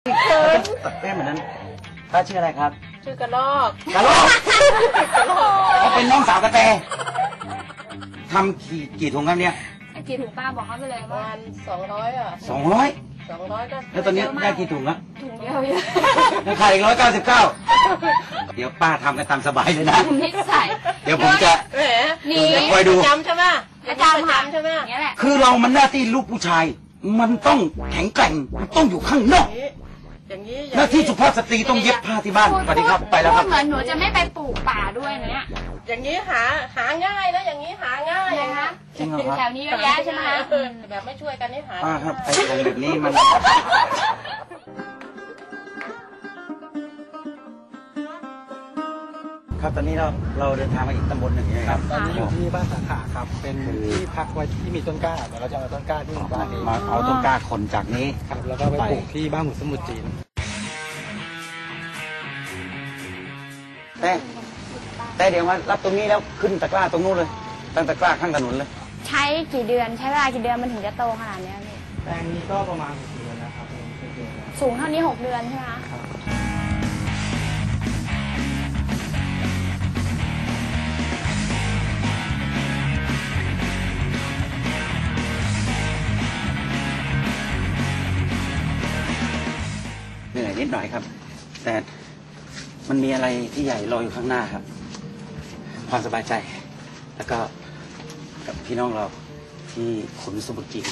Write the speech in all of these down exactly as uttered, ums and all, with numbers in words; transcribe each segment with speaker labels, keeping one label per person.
Speaker 1: เขินเต้นเหมือนนั้นป้าชื่ออะไรครับ
Speaker 2: ชื่อกระลอก
Speaker 1: กระลอกกระลอกเขาเป็นน้องสาวกระแตทำกี่กี่ถุงครับเนี่ย
Speaker 3: กี่ถุงป้าบอกเขาไปเลย
Speaker 2: ประมาณสองร้อยอ่ะ
Speaker 1: สองร้อย
Speaker 2: สองร้อยก็
Speaker 1: แล้วตอนนี้ได้กี่ถุงแล้ว
Speaker 3: ถุงเดียวยัง
Speaker 1: ขายอีกร้อยเก้าสิบเก้าเดี๋ยวป้าทำกันตามสบายเลยนะ
Speaker 3: นิสัย
Speaker 1: เดี๋ยวผมจะ
Speaker 2: แหม
Speaker 3: นี่
Speaker 1: คอยดู
Speaker 2: จำใช่ไหม
Speaker 3: อาจารย์จำใช่ไหมนี่แหละ
Speaker 1: คือเรามันหน้าที่ลูกผู้ชายมันต้องแข็งแกร่งมันต้องอยู่ข้างนอก
Speaker 2: อย่างนี้
Speaker 1: หน้าที่สุภาพสตรีต้องเย็บผ้าที่บ้านสวัสดีครับไปแล้วครับ
Speaker 3: เหมือนหนูจะไม่ไปปลูกป่าด้วยนะเนี่ย
Speaker 2: อย่างนี้หาหาง่ายนะอย่างนี้หาง่าย
Speaker 3: นะ
Speaker 1: จริงเหรอครับ
Speaker 3: แถวนี้เยอะแยะใช่ไหมคะ
Speaker 2: แบบไม่ช่วยกันนี่หา
Speaker 1: ป้าครับไอ้ของแบบนี้มันครับตอนนี้เราเราเดินทางมาอีกตำบลหนึ่งนะครับ
Speaker 4: ตอนนี้อยู่ที่บ้านสาขาครับเป็นที่พักไว้ที่มีต้นกล้าเดี๋ยวเราจะเอาต้นกล้าที่บ้านนี้
Speaker 1: มาเอาต้นกล้าขนจากนี้
Speaker 4: ครับแล้วก็ไปปลูกที่บ้านหมูสมุทรจีน
Speaker 1: แต่แต่เดี๋ยวมารับตรงนี้แล้วขึ้นตะกร้าตรงนู้นเลยตั้งตะกร้าข้างถนนเลย
Speaker 3: ใช้กี่เดือนใช้เวลากี่เดือนมันถึงจะโตขนาดนี้พี่
Speaker 4: แปลงนี้ก็ประมาณหกเดือนนะครับ
Speaker 3: สูงเท่านี้หกเดือนใช่ไหมคะ
Speaker 1: เหนื่อยนิดหน่อยครับแต่มันมีอะไรที่ใหญ่รออยู่ข้างหน้าครับความสบายใจแล้วก็กับพี่น้องเราที่ขุนสมุทรจีน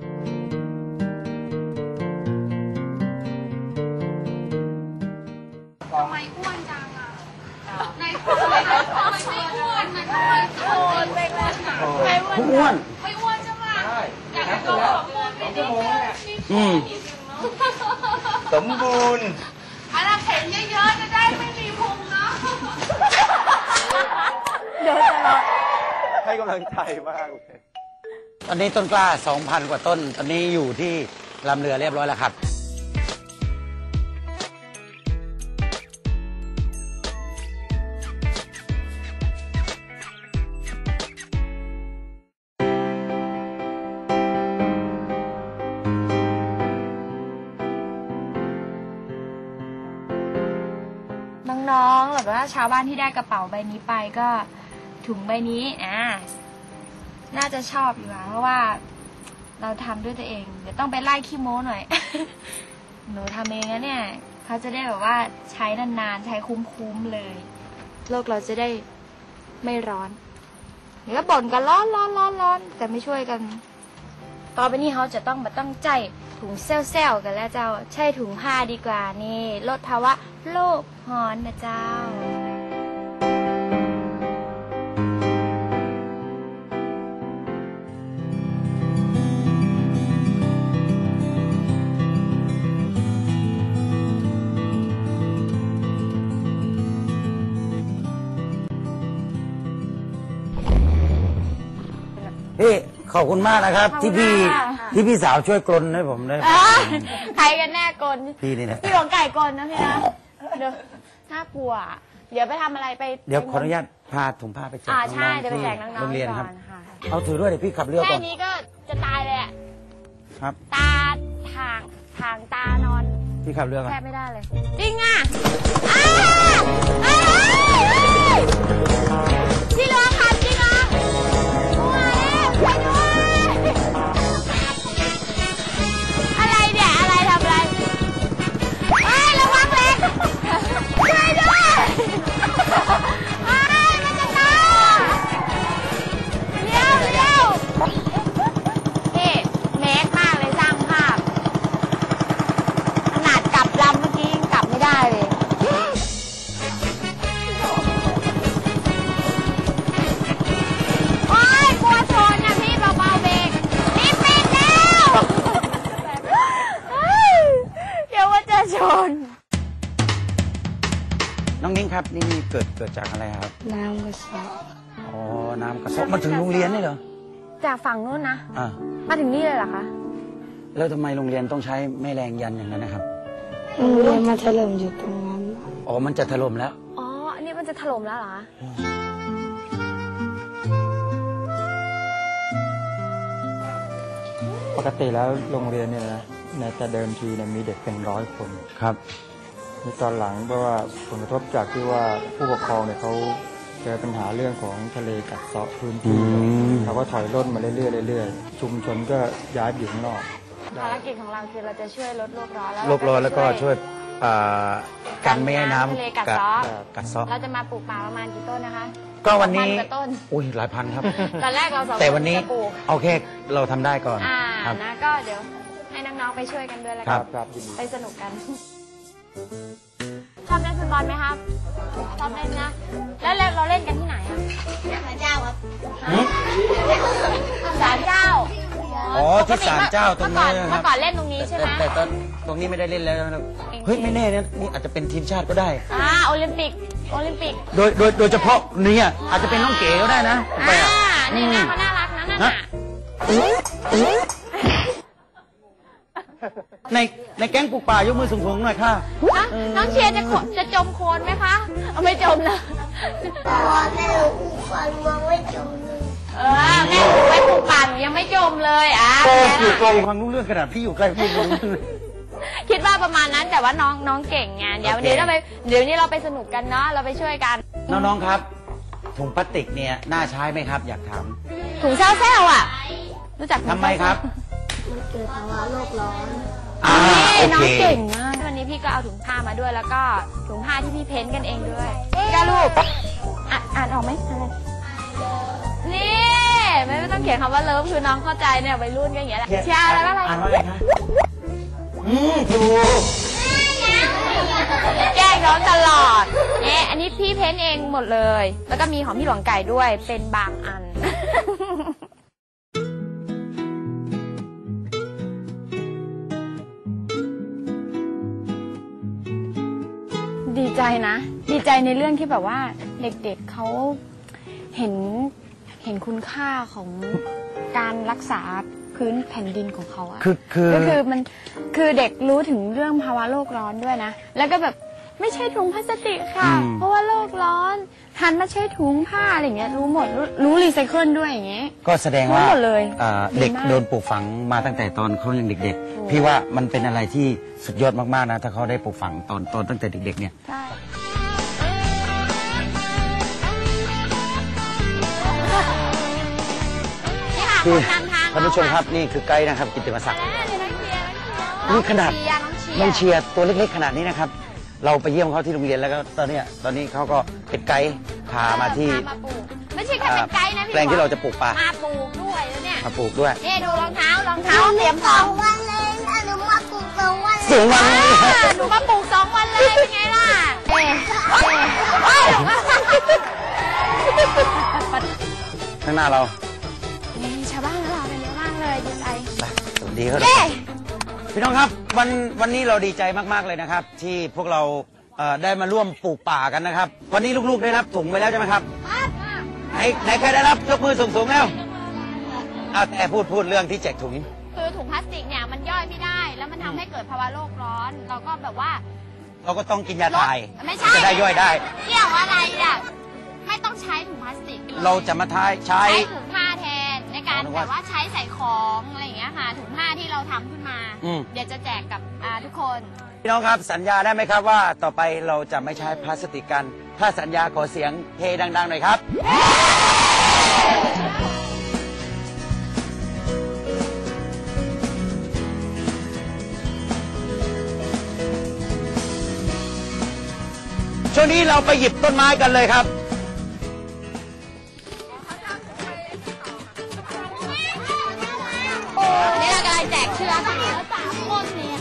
Speaker 3: ทำไมอ้วนจังอ่ะในคนไม่อ้วนนะทำไมอ้วนไม่อ้วนไม่อ้วนไม่อ้วนใช่ไหมอยากให้เขาสมบูรณ์ไปนิดนึง
Speaker 1: อืมสมบูรณ์
Speaker 3: อะไรเห็นเยอะๆจะได้ไม่มีพุงเนาะเดินตลอด
Speaker 4: ให้กำลังใจมากเลย
Speaker 1: ตอนนี้ต้นกล้า สองพัน กว่าต้นตอนนี้อยู่ที่ลำเรือเรียบร้อยแล้วครับ
Speaker 3: น้องๆหรือว่าชาวบ้านที่ได้กระเป๋าใบนี้ไปก็ถุงใบนี้อ่าน่าจะชอบอยู่ค่ะเพราะว่าเราทำด้วยตัวเองเดี๋ยวต้องไปไล่ขี้โม้หน่อย หนูทำเองนะเนี่ยเขาจะได้แบบว่าใช้นานๆใช้คุ้มๆเลยโลกเราจะได้ไม่ร้อนเดี๋ยวก็บ่นกันร้อนร้อนร้อนร้อนแต่ไม่ช่วยกันต่อไปนี้เขาจะต้องมาต้องใจถุงเซลล์กันแล้วเจ้าใช่ถุงผ้าดีกว่านี่ลดภาวะโลกร้อนนะเจ้า
Speaker 1: พี่ขอบคุณมากนะครับที่พี่ที่พี่สาวช่วยกลนให้ผมได้
Speaker 3: ใครกันแน่กลน
Speaker 1: พี่นี่แหละ
Speaker 3: พี่หลวงไก่กลนนะพี่นะเดี๋ยวน่ากลัวเดี๋ยวไปทำอะไรไป
Speaker 1: เดี๋ยวขออนุญาตพาถุงผ้าไปแจกน้องๆที่โรงเรียนครับเอาถือด้วยเดี๋ยวพี่ขับเรือก่อน
Speaker 3: แค่นี้ก็จะตายเลยอ่ะ
Speaker 1: ครับ
Speaker 3: ตาทางทางตานอน
Speaker 1: พี่ขับเรือก่อน
Speaker 3: แทบไม่ได้เลยจริงอ่ะพี่เรือขับจริงอ่ะอะไรเนี่ยอะไรทำอะไรเอ้ยระวังเล็กช่วยด้วยเอ้ยมันจะตายเร็วเร็วพี่เมคมากเลยสร้างภาพขนาดกลับลำเมื่อกี้ยังกลับไม่ได้เลยโอ๊ยกลัวชนนะพี่เบาๆเบรกนี่ปิดแล้วเดี๋ยวว่าจะชน
Speaker 1: น้องนิ้งครับนี่เกิดเกิดจากอะไรครับ
Speaker 3: น้ำกระสอบ
Speaker 1: อ๋อน้ำกระสอบมาถึงโรงเรียนนี่เหรอ
Speaker 3: จากฝั่งนู้นนะ
Speaker 1: อ่า
Speaker 3: มาถึงนี่เลยเหรอคะ
Speaker 1: แล้วทำไมโรงเรียนต้องใช้แม่แรงยันอย่างนั้นนะครับ
Speaker 3: โรงเรียนมันถล่มอยู่ตรงนั้น
Speaker 1: อ๋อมันจะถล่มแล้ว
Speaker 3: อ๋ออันนี้มันจะถล่มแล้วเหรอ
Speaker 4: ปกติแล้วโรงเรียนเนี่ยนะ
Speaker 5: นะแต่เดิมทีเนี่ยมีเด็กเป็นร้อยคน
Speaker 1: ครับ
Speaker 5: ในตอนหลังเพราะว่าผลกระทบจากที่ว่าผู้ปกครองเนี่ยเขาเจอปัญหาเรื่องของทะเลกัดเซาะพื้นที่
Speaker 1: อืม
Speaker 5: เขาก็ถอยร่นมาเรื่อยๆเรื่อยๆชุมชนก็ย้ายไปอยู่ข้างนอก
Speaker 3: ภารกิจของเราคือเราจะช่วยลดโลกร้อนแล้ว
Speaker 1: โลกร้อนแล้วก็ช่วยอ่ากันไม่ให้น้
Speaker 3: ทะเล
Speaker 1: ำ
Speaker 3: กัดเซาะ
Speaker 1: กัดเซาะ
Speaker 3: เราจะมาปลูกป่าประมาณกี่ต้นนะคะ
Speaker 1: ก็วันนี้
Speaker 3: พันกว่าต้น
Speaker 1: อุ้ยหลายพันครับ
Speaker 3: ตอนแรกเราสองค
Speaker 1: แต่วันนี้
Speaker 3: จะปลูก
Speaker 1: โอเคเราทำได้ก่อน
Speaker 3: อ่า
Speaker 1: ครับ
Speaker 3: นะก็เดี๋ยวให้น้องๆไปช่วยกันด้วยแล้ว
Speaker 1: ครั
Speaker 3: กับ น
Speaker 5: ครับยินดี
Speaker 3: ไปสนุกกัน ชอบเล่นฟุตบอลไหมครับ ชอบเล่นนะ แล้วเราเล่นกันที่ไหนอะศาลเจ้าครับศาลเจ้า
Speaker 1: อ๋อที่ศาลเจ้าตรงนี้
Speaker 3: เมื่อก่อน
Speaker 1: นะค
Speaker 3: เมื่
Speaker 1: รั
Speaker 3: อบ ก่อนเล่นตรงนี้ใช่ไหม
Speaker 1: แต่แต่ตอนตรงนี้ไม่ได้เล่นแล้วนะครับเฮ้ยไม่แน่นะนี่อาจจะเป็นทีมชาติก็ได้
Speaker 3: อ่าโอลิมปิก โอลิมปิก
Speaker 1: โดยโดยโดยเฉพาะเนี่ยอาจจะเป็นน้องเก๋ก็ได้นะไป
Speaker 3: อ่า
Speaker 1: อ่ะ
Speaker 3: นี่นะ
Speaker 1: อืม
Speaker 3: เขาน่ารักนะนั่น
Speaker 1: ฮะ
Speaker 3: น่ะ
Speaker 1: ในในแก๊งปลูกป่ายกมือสูงๆหน่อยค่ะ
Speaker 3: นะน้องเชียร์จะโคจะจมโคลนไหมคะเอาไม่จมนะ
Speaker 6: แม่ลูกฟันมองไม่จมเลย
Speaker 3: เออแม่ปลูกไว้ปลูกป่าหนูยังไม่จมเลยอ่ะ
Speaker 1: โอ้
Speaker 3: แม่
Speaker 1: อยู่ไกล
Speaker 3: ล่ะ
Speaker 1: ฟังรู้เรื่องขนาดพี่อยู่ใกล้พี่รู้เรื่องเลย
Speaker 3: คิดว่าประมาณนั้นแต่ว่าน้องน้องเก่งไงเดี๋ยว
Speaker 1: โอเค
Speaker 3: เดี๋ยวเราไปเดี๋ยวนี้เราไปสนุกกันเนาะเราไปช่วยกัน
Speaker 1: น้องๆครับ ถุงพลาสติกเนี่ยน่าใช้ไหมครับ อยากถาม
Speaker 3: ถุงเซลเซลอ่ะ รู้จักถุง
Speaker 1: ทำไมครับ
Speaker 6: มันเกิดภาวะโลกร้อน
Speaker 1: อ่า
Speaker 3: นี่
Speaker 1: โอ
Speaker 3: น้อ
Speaker 1: เค
Speaker 3: งเก่งมากวันนี้พี่ก็เอาถุงผ้ามาด้วยแล้วก็ถุงผ้าที่พี่เพ้นท์กันเองด้วยพี่ก็รูปอ่ะอ่านออกไหมอ่านนี่ไม่ไม่ต้องเขียนคำว่าเลิฟคือน้องเข้าใจเนี่ยวัยรุ่นก็อย่างเงี้ยแหละเชียร์อะไรว่าอะไร
Speaker 1: อ่านว่าอะไรคะอืมถูก
Speaker 3: แกล้งน้องตลอดเอ๊ะอันนี้พี่เพ้นท์เองหมดเลย แล้วก็มีของพี่หลวงไก่ด้วยเป็นบางอัน ดีใจนะ ดีใจในเรื่องที่แบบว่าเด็กๆ เเขาเห็นเห็นคุณค่าของการรักษาพื้นแผ่นดินของเขาอะ
Speaker 1: คือคือ
Speaker 3: ก็คือมันคือเด็กรู้ถึงเรื่องภาวะโลกร้อนด้วยนะ แล้วก็แบบไม่ใช่ถุงพลาสติกค่ะ เพราะว่าโลกร้อนหันมาใช้ถุงผ้าอะไรอย่างเงี้ยรู้หมดรู้รู้รีไซเคิลด้วยอย่างเงี้ย
Speaker 1: ก็แสดงว่า
Speaker 3: รู้หมดเลย
Speaker 1: อ่า
Speaker 3: ดี
Speaker 1: เด็ก
Speaker 3: มาก
Speaker 1: โดนปลูกฝังมาตั้งแต่ตอนเขายังเด็ก
Speaker 3: ถูก
Speaker 1: ๆ พี่ว่ามันเป็นอะไรที่สุดยอดมากๆนะ ถ้าเขาได้ปลูกฝังตอนตอนตั้งแต่เด็ก ๆ เนี่ย
Speaker 3: ใช่ นี่ค่ะ
Speaker 1: คือ
Speaker 3: คนนำทาง
Speaker 1: ท่านผู้ชมครับนี่คือไกด์นะครับ กิตติมศักดิ์
Speaker 3: แล้วนี่น้องเชียร์
Speaker 1: นี่ขนาด
Speaker 3: น้องเชียร์
Speaker 1: น้องเชียร์ตัวเล็กๆขนาดนี้นะครับ เราไปเยี่ยมเขาที่โรงเรียนแล้วก็ตอนเนี้ยตอนนี้เขาก็เป็นไกด์พามาที่
Speaker 3: พามาปลูกไม่ใช่แค่เป็นไกด์นะพี่
Speaker 1: แปลงที่เราจะปลูกป่า
Speaker 3: มาปลูกด้วยแล้วเนี่ย
Speaker 1: มาปลูกด้วย
Speaker 3: นี่ดูรองเท้ารองเท้าเตรียมพ
Speaker 6: ส
Speaker 3: ร้อ
Speaker 6: อ
Speaker 3: ม
Speaker 6: งวันเลยนะหนูมาปลูกสองวันเลย
Speaker 1: สูงวัน
Speaker 3: อ่าหนูมาปลูกสองวันเลยเป็นไงล่ะเอ๊ะเอ๊ะเอ้ย
Speaker 1: ข้างหน้าเรา
Speaker 3: นี่ชาวบ้านของเราเป็นเยอะมากเลยดีใจ
Speaker 1: ไปสวัสดีครับ
Speaker 3: เย้
Speaker 1: พี่น้องครับวันวันนี้เราดีใจมากๆเลยนะครับ ที่พวกเราเอ่อได้มาร่วมปลูกป่ากันนะครับ วันนี้ลูกๆได้รับถุงไปแล้วใช่ไหมครับไหนไหนใครได้รับยกมือสูงๆแล้วเอาแต่พูดพูดเรื่องที่แจกถุง
Speaker 3: คือถุงพลาสติกเนี่ยมันย่อยไม่ได้ แล้วมันทำให้เกิดภาวะโลกร้อน เราก็แบบว่า
Speaker 1: เราก็ต้องกินยาถ่าย
Speaker 3: ไม่ใช่
Speaker 1: จะได้ย่อยได้
Speaker 3: เกี่ยวอะไรอ่ะไม่ต้องใช้ถุงพลาสติก
Speaker 1: เราจะมาทายใช้
Speaker 3: ใช้ถุงผ้าแทนในการ
Speaker 1: อ๋อนึก
Speaker 3: แบ
Speaker 1: ว่า
Speaker 3: บว่าใช้ใส่ของอะไรอย่างเงี้ยค่ะถุงผ้าที่เราทำขึ้นมา
Speaker 1: อืม
Speaker 3: เดี๋ยวจะแจกกับอ่าทุกคน
Speaker 1: พี่น้องครับสัญญาได้ไหมครับว่าต่อไปเราจะไม่ใช้พลาสติกกัน ถ้าสัญญาขอเสียงเฮดังๆหน่อยครับ ช่วงนี้เราไปหยิบต้นไม้กันเลยครับ
Speaker 3: นี่เรากำลังแจกเชือกแล้วสามคนเนี่ย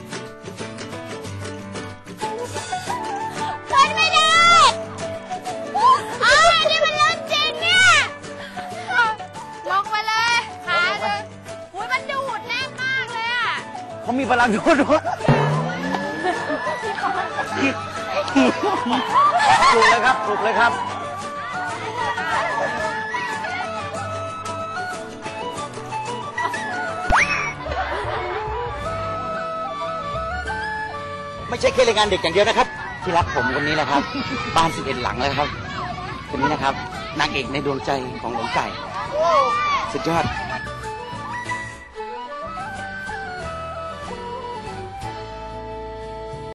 Speaker 3: เล่นไม่ได้อ้าวนี่มันเล่นจริงเนี่ยลงไปเลยขาเลยอุ้ยมันดูดแน่นมากเลยอ่ะ
Speaker 1: เขามีพลังดูดด้วยปลุกเลยครับปลุกเลยครับ ไม่ใช่แค่รายงานเด็กอย่างเดียวนะครับ ที่รักผมคนนี้นะครับ บ้านสิบเอ็ดหลังเลยครับคนนี้นะครับนางเอกในดวงใจของหลวงไก่ สุดยอด